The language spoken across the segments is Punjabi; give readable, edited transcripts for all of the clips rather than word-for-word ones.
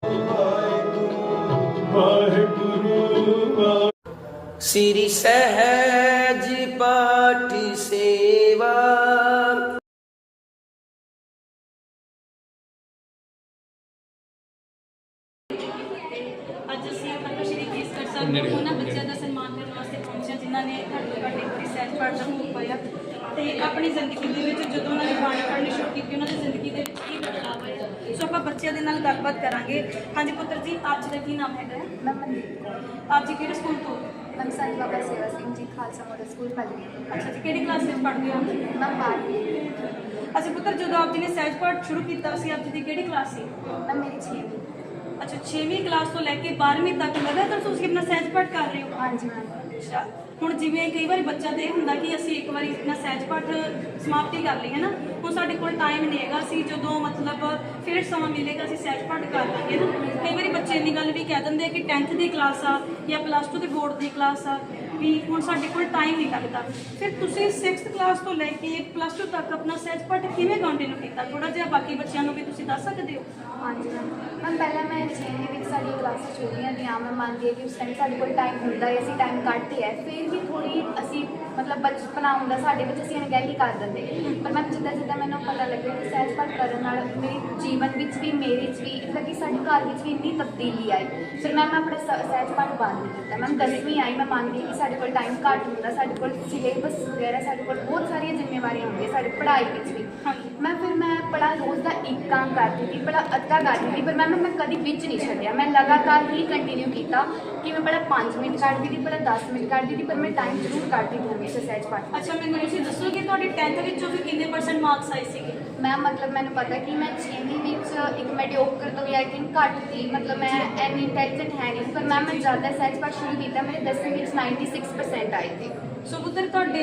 श्री सहज पाठ सेवा। ਅੱਜ ਅਸੀਂ ਮਾਤਾ ਸ਼੍ਰੀ ਕੇਸਗੜ੍ਹ ਸਾਹਿਬ ਤੋਂ ਉਹਨਾਂ ਬੱਚਿਆਂ ਦਾ ਸਨਮਾਨ ਕਰਨ ਵਾਸਤੇ ਪਹੁੰਚੇ ਜਿਨ੍ਹਾਂ ਨੇ ਘੱਟੋ ਘੱਟ ਇੱਕ ਵਾਰੀ ਸਹਿਜ ਪਾਠ ਦਾ ਭੋਗ ਪਾਇਆ ਤੇ ਆਪਣੀ ਜ਼ਿੰਦਗੀ ਦੇ ਵਿੱਚ ਜਦੋਂ ਉਹਨਾਂ ਨੇ ਬਾਣੀ ਪੜ੍ਹਨੀ ਸ਼ੁਰੂ ਕੀਤੀ ਉਹਨਾਂ ਦੀ ਜ਼ਿੰਦਗੀ ਦੇ ਵਿੱਚ ਕੀ ਬਦਲਾਅ ਆਇਆ। ਸੋ ਆਪਾਂ ਬੱਚਿਆਂ ਦੇ ਨਾਲ ਗੱਲਬਾਤ ਕਰਾਂਗੇ। ਹਾਂਜੀ ਪੁੱਤਰ ਜੀ, ਆਪ ਜੀ ਦਾ ਕੀ ਨਾਮ ਹੈਗਾ? ਮੈਂ ਮਨਦੀਪ ਆਪ ਜੀ ਕਿਹੜੇ ਸਕੂਲ ਤੋਂ? ਮੈਂ ਸੰਤ ਬਾਬਾ ਸੇਵਾ ਸਿੰਘ ਜੀ ਖਾਲਸਾ ਮੋਡਲ ਸਕੂਲ ਪੱਲਵੀ। ਅੱਛਾ ਜੀ, ਕਿਹੜੀ ਕਲਾਸ ਵਿੱਚ ਪੜ੍ਹਦੇ ਹੋ? ਮੈਂ 12ਵੀਂ। ਅੱਛਾ ਪੁੱਤਰ, ਜਦੋਂ ਆਪ ਜੀ ਨੇ ਸਹਿਜ ਪਾਠ ਸ਼ੁਰੂ ਕੀਤਾ ਸੀ, ਆਪ ਜੀ ਦੀ ਕਿਹੜੀ ਕਲਾਸ ਸੀ? ਮੈਂ ਮੇਰੀ 6ਵੀਂ। ਅੱਛਾ, 6ਵੀਂ ਕਲਾਸ ਤੋਂ ਲੈ ਕੇ 12ਵੀਂ ਤੱਕ ਲਗਾਤਾਰ ਤੁਸੀਂ ਆਪਣਾ ਸਹਿਜ ਪਾਠ ਕਰ ਰਹੇ ਹੋ? ਹਾਂਜੀ ਮੈਮ। ਅੱਛਾ, ਹੁਣ ਜਿਵੇਂ ਕਈ ਵਾਰੀ ਬੱਚਾ ਤੇ ਇਹ ਹੁੰਦਾ ਕਿ ਅਸੀਂ ਇੱਕ ਵਾਰੀ ਆਪਣਾ ਸਹਿਜ ਪਾਠ ਸਮਾਪਤੀ ਕਰ ਲਈ ਹੈ ਨਾ, ਹੁਣ ਸਾਡੇ ਕੋਲ ਟਾਈਮ ਨਹੀਂ ਹੈਗਾ, ਅਸੀਂ ਜਦੋਂ ਮਤਲਬ ਫਿਰ ਸਮਾਂ ਮਿਲੇਗਾ ਅਸੀਂ ਸਹਿਜ ਪਾਠ ਕਰ ਲਾਂਗੇ ਨਾ। ਕਈ ਵਾਰੀ ਬੱਚੇ ਇੰਨੀ ਗੱਲ ਵੀ ਕਹਿ ਦਿੰਦੇ ਕਿ 10th ਦੀ ਕਲਾਸ ਆ ਜਾਂ +2 ਦੇ ਬੋਰਡ ਦੀ ਕਲਾਸ ਆ ਵੀ ਹੁਣ ਸਾਡੇ ਕੋਲ ਟਾਈਮ ਨਹੀਂ ਲੱਗਦਾ। ਫਿਰ ਤੁਸੀਂ 6th ਕਲਾਸ ਤੋਂ ਲੈ ਕੇ +2 ਤੱਕ ਆਪਣਾ ਸਹਿਜ ਪਾਠ ਕਿਵੇਂ ਕੰਟੀਨਿਊ ਕੀਤਾ? ਥੋੜਾ ਜਿਹਾ ਬਾਕੀ ਬੱਚਿਆਂ ਨੂੰ ਵੀ ਤੁਸੀਂ ਦੱਸ ਸਕਦੇ ਹੋ? ਹਾਂਜੀ ਮੈਮ ਪਹਿਲਾਂ ਮੈਂ 6ਵੀਂ ਵਿੱਚ ਸਾਡੀ ਕਲਾਸਾਂ ਛੋਟੀਆਂ ਦੀਆਂ, ਮੈਂ ਮੰਨਦੀ ਹਾਂ ਕਿ ਉਸ ਟਾਈਮ ਸਾਡੇ ਕੋਲ ਟਾਈਮ ਹੁੰਦਾ ਹੈ, ਅਸੀਂ ਟਾਈਮ ਕੱਢਦੇ ਹੈ, ਫਿਰ ਵੀ ਥੋੜ੍ਹੀ ਅਸੀਂ ਮਤਲਬ ਬਚਪਨਾ ਹੁੰਦਾ ਸਾਡੇ ਵਿੱਚ, ਅਸੀਂ ਅਣਗਹਿਲੀ ਕਰ ਦਿੰਦੇ। ਪਰ ਮੈਂ ਜਿੱਦਾਂ ਜਿੱਦਾਂ ਮੈਨੂੰ ਪਤਾ ਲੱਗਿਆ ਕਿ ਸਹਿਜ ਪਾਠ ਕਰਨ ਨਾਲ ਮੇਰੇ ਜੀਵਨ ਵਿੱਚ ਵੀ, ਮੇਰੇ 'ਚ ਵੀ, ਮਤਲਬ ਕਿ ਸਾਡੇ ਘਰ ਵਿੱਚ ਵੀ ਇੰਨੀ ਤਬਦੀਲੀ ਆਈ। ਫਿਰ ਮੈਂ ਆਪਣੇ ਸਹਿਜ ਪਾਠ ਬੰਦ ਨਹੀਂ ਕੀਤਾ। ਮੈਂ 10ਵੀਂ ਆਈ, ਮੈਂ ਮੰਨਦੀ ਹਾਂ ਕਿ ਸਾਡੇ ਕੋਲ ਟਾਈਮ ਘੱਟ ਹੁੰਦਾ, ਸਾਡੇ ਕੋਲ ਸਿਲੇਬਸ ਵਗੈਰਾ, ਸਾਡੇ ਕੋਲ ਬਹੁਤ ਸਾਰੀਆਂ ਜ਼ਿੰਮੇਵਾਰੀਆਂ ਹੁੰਦੀਆਂ ਸਾਡੀ ਪੜ੍ਹਾਈ ਵਿੱਚ ਵੀ। ਮੈਂ ਪੜਾ ਰੋਜ਼ ਦਾ ਇੱਕ ਕੰਮ ਕਰਦੀ ਸੀ, ਬੜਾ ਅੱਧਾ ਕਰਦੀ ਸੀ, ਪਰ ਮੈਂ ਕਦੀ ਵਿੱਚ ਨਹੀਂ ਛੱਡਿਆ। ਮੈਂ ਲਗਾਤਾਰ ਹੀ ਕੰਟੀਨਿਊ ਕੀਤਾ ਕਿ ਮੈਂ ਬੜਾ 5 ਮਿੰਟ ਕੱਢਦੀ ਸੀ, ਬੜਾ 10 ਮਿੰਟ ਕੱਢਦੀ ਸੀ, ਪਰ ਮੈਂ ਟਾਈਮ ਜ਼ਰੂਰ ਕੱਢਦੀ ਸੀ ਹਮੇਸ਼ਾ ਸਹਿਜ ਪਾਠ। ਅੱਛਾ, ਮੈਨੂੰ ਤੁਸੀਂ ਦੱਸੋ ਕਿ ਤੁਹਾਡੇ 10th ਵਿੱਚੋਂ ਵੀ ਕਿੰਨੇ % ਮਾਰਕਸ ਆਏ ਸੀਗੇ? ਮੈਂ ਮਤਲਬ ਮੈਨੂੰ ਪਤਾ ਕਿ ਮੈਂ 6ਵੀਂ ਵਿੱਚ ਇੱਕ ਮੈਡੀਓਕਰ ਤੋਂ ਵੀ ਆਈ ਥਿੰਕ ਘੱਟ ਸੀ, ਮਤਲਬ ਮੈਂ ਇੰਨੀ ਇੰਟੈਲੀਜੈਂਟ ਹੈ ਨਹੀਂ, ਪਰ ਮੈਂ ਜ਼ਿਆਦਾ ਸਹਿਜ ਪਾਠ ਸ਼ੁਰੂ ਕੀਤਾ, ਮੇਰੇ 10ਵੀਂ ਵਿੱਚ 96% ਆਏ ਸੀ। ਸੋ ਪੁੱਤਰ, ਤੁਹਾਡੇ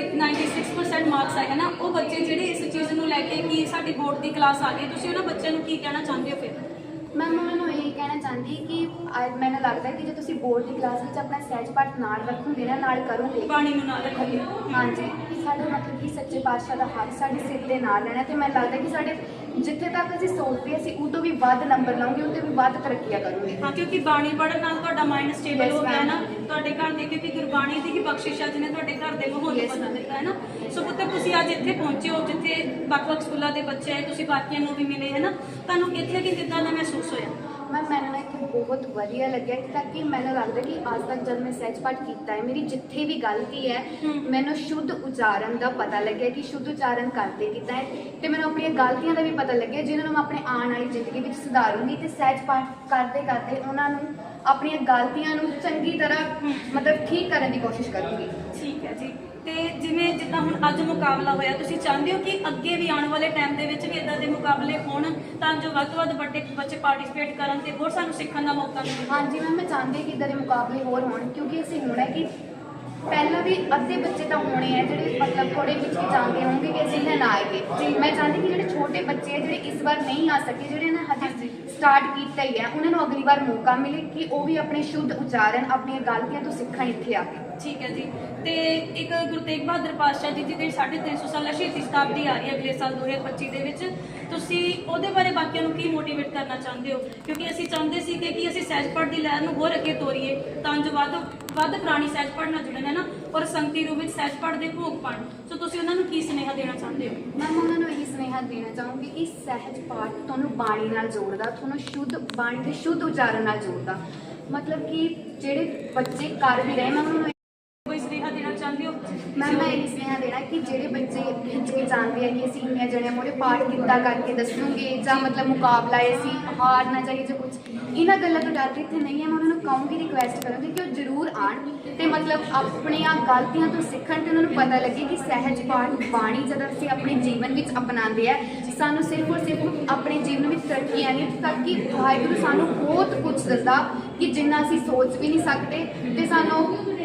96% ਮਾਰਕਸ ਆਏ ਹੈ ਨਾ, ਉਹ ਬੱਚੇ ਜਿਹੜੇ ਇਸ ਚੀਜ਼ ਨੂੰ ਲੈ ਕੇ ਕਿ ਸਾਡੀ ਬੋਰਡ ਦੀ ਕਲਾਸ ਆ ਗਈ, ਤੁਸੀਂ ਉਹਨਾਂ ਬੱਚਿਆਂ ਨੂੰ ਕੀ ਕਹਿਣਾ ਚਾਹੁੰਦੇ ਹੋ? ਫਿਰ ਮੈਂ ਉਹਨਾਂ ਨੂੰ ਇਹ ਕਹਿਣਾ ਚਾਹੁੰਦੀ ਕਿ ਮੈਨੂੰ ਲੱਗਦਾ ਕਿ ਜੇ ਤੁਸੀਂ ਬੋਰਡ ਦੀ ਕਲਾਸ ਵਿੱਚ ਆਪਣਾ ਸਹਿਜ ਪਾਠ ਨਾਲ ਰੱਖੋਗੇ ਨਾ, ਨਾਲ ਕਰੋਗੇ, ਬਾਣੀ ਨੂੰ ਨਾਲ ਰੱਖੋਗੇ, ਹਾਂਜੀ, ਸਾਡਾ ਮਤਲਬ ਕਿ ਸੱਚੇ ਪਾਤਸ਼ਾਹ ਦਾ ਹੱਥ ਸਾਡੇ ਸਿਰ ਦੇ ਨਾਲ ਰਹਿਣਾ, ਤੇ ਮੈਨੂੰ ਲੱਗਦਾ ਕਿ ਸਾਡੇ ਜਿੱਥੇ ਤੱਕ ਅਸੀਂ ਸੋਚਦੇ ਅਸੀਂ ਉਹ ਤੋਂ ਵੀ ਵੱਧ ਨੰਬਰ ਲਾਉਂਗੇ, ਉਹ ਤੋਂ ਵੀ ਵੱਧ ਤਰੱਕੀਆਂ ਕਰੋਗੇ। ਹਾਂ, ਕਿਉਂਕਿ ਬਾਣੀ ਪੜ੍ਹਨ ਨਾਲ ਤੁਹਾਡਾ ਮਾਈਂਡ ਸਟੇਬਲ ਹੋ ਗਿਆ ਨਾ, ਤੁਹਾਡੇ ਘਰ ਦੇ, ਕਿਉਂਕਿ ਗੁਰਬਾਣੀ ਦੀ ਹੀ ਬਖਸ਼ਿਸ਼ ਆ ਜਿਹਨੇ ਤੁਹਾਡੇ ਘਰ ਦੇ ਮਾਹੌਲ ਨੂੰ ਬਦਲ ਦਿੱਤਾ ਹੈ ਨਾ। ਸੋ ਪੁੱਤਰ, ਤੁਸੀਂ ਅੱਜ ਇੱਥੇ ਪਹੁੰਚੇ ਹੋ ਜਿੱਥੇ ਵੱਖ-ਵੱਖ ਸਕੂਲਾਂ ਦੇ ਬੱਚੇ ਆਏ, ਤੁਸੀਂ ਬਾਕੀਆਂ ਨੂੰ ਵੀ ਮਿਲੇ ਹੈ ਨਾ, ਤੁਹਾਨੂੰ ਇੱਥੇ ਕਿ ਕਿੱਦਾਂ ਦਾ ਮਹਿਸੂਸ ਹੋਇਆ? ਮੈਨੂੰ ਇੱਥੇ ਬਹੁਤ ਵਧੀਆ ਲੱਗਿਆ ਤਾਂ ਕਿ ਮੈਨੂੰ ਲੱਗਦਾ ਕਿ ਅੱਜ ਤੱਕ ਜਦ ਮੈਂ ਸਹਿਜ ਪਾਠ ਕੀਤਾ ਹੈ, ਮੇਰੀ ਜਿੱਥੇ ਵੀ ਗਲਤੀ ਹੈ ਮੈਨੂੰ ਸ਼ੁੱਧ ਉਚਾਰਨ ਦਾ ਪਤਾ ਲੱਗਿਆ ਕਿ ਸ਼ੁੱਧ ਉਚਾਰਨ ਕਰਦੇ ਕਿੱਦਾਂ ਹੈ, ਤੇ ਮੈਨੂੰ ਆਪਣੀਆਂ ਗਲਤੀਆਂ ਦਾ ਵੀ ਪਤਾ ਲੱਗਿਆ ਜਿਹਨਾਂ ਨੂੰ ਮੈਂ ਆਪਣੇ ਆਉਣ ਵਾਲੀ ਜ਼ਿੰਦਗੀ ਵਿੱਚ ਸੁਧਾਰੂੰਗੀ, ਤੇ ਸਹਿਜ ਪਾਠ ਕਰਦੇ ਕਰਦੇ ਉਹਨਾਂ ਨੂੰ ਆਪਣੀਆਂ ਗਲਤੀਆਂ ਨੂੰ ਚੰਗੀ ਤਰ੍ਹਾਂ ਮਤਲਬ ਠੀਕ ਕਰਨ ਦੀ ਕੋਸ਼ਿਸ਼ ਕਰੂੰਗੀ। ਠੀਕ ਹੈ ਜੀ। ਤੇ ਜਿੱਦਾਂ ਹੁਣ ਅੱਜ ਮੁਕਾਬਲਾ ਹੋਇਆ, ਤੁਸੀਂ ਚਾਹੁੰਦੇ ਹੋ ਕਿ ਅੱਗੇ ਵੀ ਆਉਣ ਵਾਲੇ ਟਾਈਮ ਦੇ ਵਿੱਚ ਵੀ ਇਦਾਂ ਦੇ ਮੁਕਾਬਲੇ ਹੋਣ ਤਾਂ ਜੋ ਵੱਧ ਤੋਂ ਵੱਧ ਵੱਡੇ ਬੱਚੇ ਪਾਰਟਿਸਿਪੇਟ ਕਰਨ ਤੇ ਹੋਰ ਸਾਨੂੰ ਸਿੱਖਣ ਦਾ ਮੌਕਾ ਮਿਲੇ? ਹਾਂਜੀ ਮੈਂ ਚਾਹੁੰਦੀ ਕਿ ਇਦਾਂ ਦੇ ਮੁਕਾਬਲੇ ਹੋਰ ਹੋਣ, ਕਿਉਂਕਿ ਅਸੀਂ ਹੁਣ ਹੈ ਕਿ ਪਹਿਲਾਂ ਵੀ ਅੱਧੇ ਬੱਚੇ ਤਾਂ ਹੋਣੇ ਆ ਜਿਹੜੇ ਮਤਲਬ ਥੋੜੇ ਵਿੱਚ ਜਾਂਦੇ ਹੋਣਗੇ ਕਿ ਅਸੀਂ ਨਾ ਆਏਗੇ। ਮੈਂ ਚਾਹੁੰਦੀ ਕਿ ਜਿਹੜੇ ਛੋਟੇ ਬੱਚੇ ਆ ਜਿਹੜੇ ਇਸ ਵਾਰ ਨਹੀਂ ਆ ਸਕੇ, ਜਿਹੜੇ ਨੇ ਹਜੇ ਸਟਾਰਟ ਕੀਤਾ ਹੀ ਹੈ, ਉਹਨਾਂ ਨੂੰ ਅਗਲੀ ਵਾਰ ਮੌਕਾ ਮਿਲੇ ਕਿ ਉਹ ਵੀ ਆਪਣੇ ਸ਼ੁੱਧ ਉਚਾਰਨ ਆਪਣੀਆਂ ਗਲਤੀਆਂ ਤੋਂ ਸਿੱਖਣ ਇੱਥੇ ਆ ਕੇ। ਠੀਕ ਹੈ ਜੀ। ਤੇ ਇੱਕ ਗੁਰੂ ਤੇਗ ਬਹਾਦਰ ਪਾਤਸ਼ਾਹ ਜੀ ਦੀ ਜਿਹੜੀ 350 ਸਾਲਾ ਸ਼ਹੀਦੀ ਸ਼ਤਾਬਦੀ ਆ ਰਹੀ ਹੈ ਅਗਲੇ ਸਾਲ 2025 ਦੇ ਵਿੱਚ, ਤੁਸੀਂ ਉਹਦੇ ਬਾਰੇ ਬਾਕੀਆਂ ਨੂੰ ਕੀ ਮੋਟੀਵੇਟ ਕਰਨਾ ਚਾਹੁੰਦੇ ਹੋ? ਕਿਉਂਕਿ ਅਸੀਂ ਚਾਹੁੰਦੇ ਸੀ ਕਿ ਅਸੀਂ ਸਹਿਜ ਪਾਠ ਦੀ ਲਹਿਰ ਨੂੰ ਹੋਰ ਅੱਗੇ ਤੋਰੀਏ ਤਾਂ ਜੋ ਵੱਧ ਪੁਰਾਣੀ ਸਹਿਜ ਪਾਠ ਨਾਲ ਜੁੜਨ ਹੈ ਨਾ, ਔਰ ਸੰਗਤੀ ਰੂਪ ਵਿੱਚ ਸਹਿਜ ਪਾਠ ਦੇ ਭੋਗ ਪਾਉਣ। ਸੋ ਤੁਸੀਂ ਉਹਨਾਂ ਨੂੰ ਕੀ ਸੁਨੇਹਾ ਦੇਣਾ ਚਾਹੁੰਦੇ ਹੋ? ਮੈਂ ਉਹਨਾਂ ਨੂੰ ਇਹੀ ਸੁਨੇਹਾ ਦੇਣਾ ਚਾਹੂੰਗੀ ਕਿ ਸਹਿਜ ਪਾਠ ਤੁਹਾਨੂੰ ਬਾਣੀ ਨਾਲ ਜੋੜਦਾ, ਤੁਹਾਨੂੰ ਸ਼ੁੱਧ ਬਾਣੀ ਦੇ ਸ਼ੁੱਧ ਉਚਾਰਨ ਨਾਲ ਜੋੜਦਾ। ਮਤਲਬ ਕਿ ਜਿਹੜੇ ਬੱਚੇ ਕਰ ਵੀ ਰਹੇ, ਮੈਂ ਉਹਨਾਂ ਨੂੰ ਕੋਈ ਸੁਨੇਹਾ ਦੇਣਾ ਚਾਹੁੰਦੇ ਹੋ? ਮੈਂ ਇਹ ਸੁਨੇਹਾ ਦੇਣਾ ਕਿ ਜਿਹੜੇ ਬੱਚੇ ਹਿਚਕਿਚਾਉਂਦੇ ਆ ਕਿ ਅਸੀਂ ਇੰਨੀਆਂ ਜਣਿਆਂ ਮੋਰੇ ਪਾਠ ਕਿੱਦਾਂ ਕਰਕੇ ਦੱਸੂਗੇ ਜਾਂ ਮਤਲਬ ਮੁਕਾਬਲਾ ਅਸੀਂ ਹਾਰ ਨਾ ਜਾਈਏ ਜਾਂ ਕੁਝ, ਇਹਨਾਂ ਗੱਲਾਂ ਤੋਂ ਡਰ ਕੇ ਇੱਥੇ ਨਹੀਂ ਹੈ। ਮੈਂ ਉਹਨਾਂ ਨੂੰ ਕਹੂੰਗੀ, ਰਿਕੁਐਸਟ ਕਰੂੰਗੀ ਕਿ ਉਹ ਜ਼ਰੂਰ ਆਉਣ ਤੇ ਮਤਲਬ ਆਪਣੀਆਂ ਗਲਤੀਆਂ ਤੋਂ ਸਿੱਖਣ ਤੇ ਉਹਨਾਂ ਨੂੰ ਪਤਾ ਲੱਗੇ ਕਿ ਸਹਿਜ ਪਾਠ ਬਾਣੀ ਜਦੋਂ ਅਸੀਂ ਆਪਣੇ ਜੀਵਨ ਵਿੱਚ ਅਪਣਾਉਂਦੇ ਆ, ਸਾਨੂੰ ਸਿਰਫ ਔਰ ਸਿਰਫ ਆਪਣੇ ਜੀਵਨ ਵਿੱਚ ਤਰੱਕੀਆਂ ਨਹੀਂ, ਤਾਂ ਕਿ ਵਾਹਿਗੁਰੂ ਸਾਨੂੰ ਬਹੁਤ ਕੁਝ ਦਿੰਦਾ ਕਿ ਜਿੰਨਾ ਅਸੀਂ ਸੋਚ ਵੀ ਨਹੀਂ ਸਕਦੇ, ਤੇ ਸਾਨੂੰ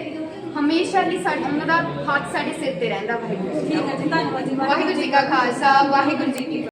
ਹਮੇਸ਼ਾ ਲਈ ਉਹਨਾਂ ਦਾ ਹੱਥ ਸਾਡੇ ਸਿਰ ਤੇ ਰਹਿੰਦਾ। ਵਾਹਿਗੁਰੂ। ਠੀਕ ਹੈ ਜੀ, ਧੰਨਵਾਦ ਜੀ। ਵਾਹਿਗੁਰੂ ਜੀ ਕਾ ਖਾਲਸਾ, ਵਾਹਿਗੁਰੂ ਜੀ ਕੀ